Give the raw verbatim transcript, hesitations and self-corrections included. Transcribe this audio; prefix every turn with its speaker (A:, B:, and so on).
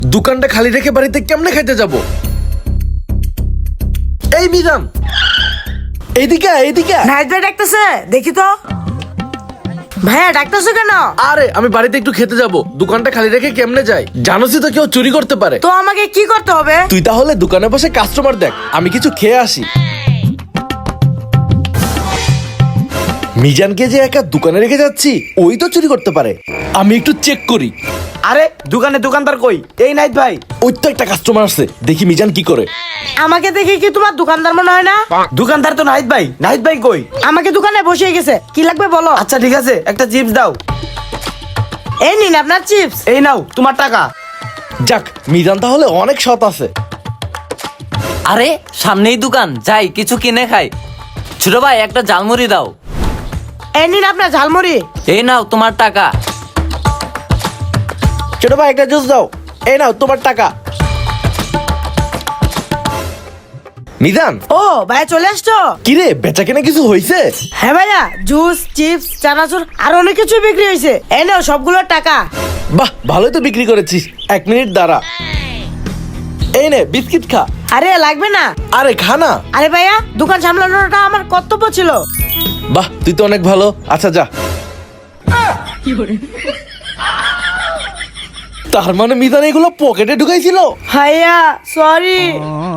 A: দোকানটা খালি রেখে বাড়িতে কেমনে খাইতে যাব? এই মিজান, এইদিকে আয়, এইদিকে আয়।
B: নাইট ভাই ডাকতেছে, দেখি তো। ভাইয়া ডাকতেছে কেন?
A: আরে আমি বাড়িতে একটু খেতে যাব, দোকানটা খালি রেখে কেমনে যাই? জানোসই তো কেউ চুরি করতে পারে।
B: তো আমাকে কি করতে হবে?
A: তুই তাহলে দোকানে বসে কাস্টমার দেখ, আমি কিছু খেয়ে আসি। মিজানকে যে একা দোকানে রেখে যাচ্ছি, ওই তো চুরি করতে পারে। আমি একটু চেক করি।
C: আরে দোকানে দোকানদার কই? এই নাইট ভাই।
A: ওই তো একটা কাস্টমার আছে, দেখি মিজান কি করে।
B: আমাকে দেখে কি তোমার দোকানদার মনে হয় না?
C: দোকানদার তো নাইট ভাই। নাইট ভাই কই?
B: আমাকে দোকানে বসিয়ে গেছে, কি লাগবে বলো?
C: আচ্ছা ঠিক আছে, একটা চিপস দাও।
B: এই নিন আপনার চিপস।
C: এই নাও তোমার টাকা।
A: যাক, মিজান তাহলে অনেক সৎ আছে।
D: আরে সামনেই দোকান, যাই কিছু কিনে খাই। ছোট ভাই একটা ঝালমুড়ি দাও।
B: এই নিন আপনার ঝালমুড়ি।
D: এই নাও তোমার টাকা।
A: ছোট ভাই একটা জুস দাও। এই নাও তোমার টাকা। মিজান,
B: ও ভাইয়া চলে আসছো?
A: কিরে বেচা কেনা কিছু হয়েছে?
B: হ্যাঁ ভাইয়া, জুস, চিপস, চানাচুর আর অনেক কিছু বিক্রি হয়েছে। এই নাও সবগুলোর টাকা।
A: বাহ, ভালোই তো বিক্রি করেছিস। এক মিনিট দাঁড়া, এই নে বিস্কিট খা।
B: আরে লাগবে না।
A: আরে খা না।
B: আরে ভাইয়া, দোকান সামলানোটা আমার কর্তব্য ছিল।
A: বাহ, তুই তো অনেক ভালো। আচ্ছা যা। তার মানে মিজান এগুলো পকেটে ঢুকাইছিল?
B: ভাইয়া সরি।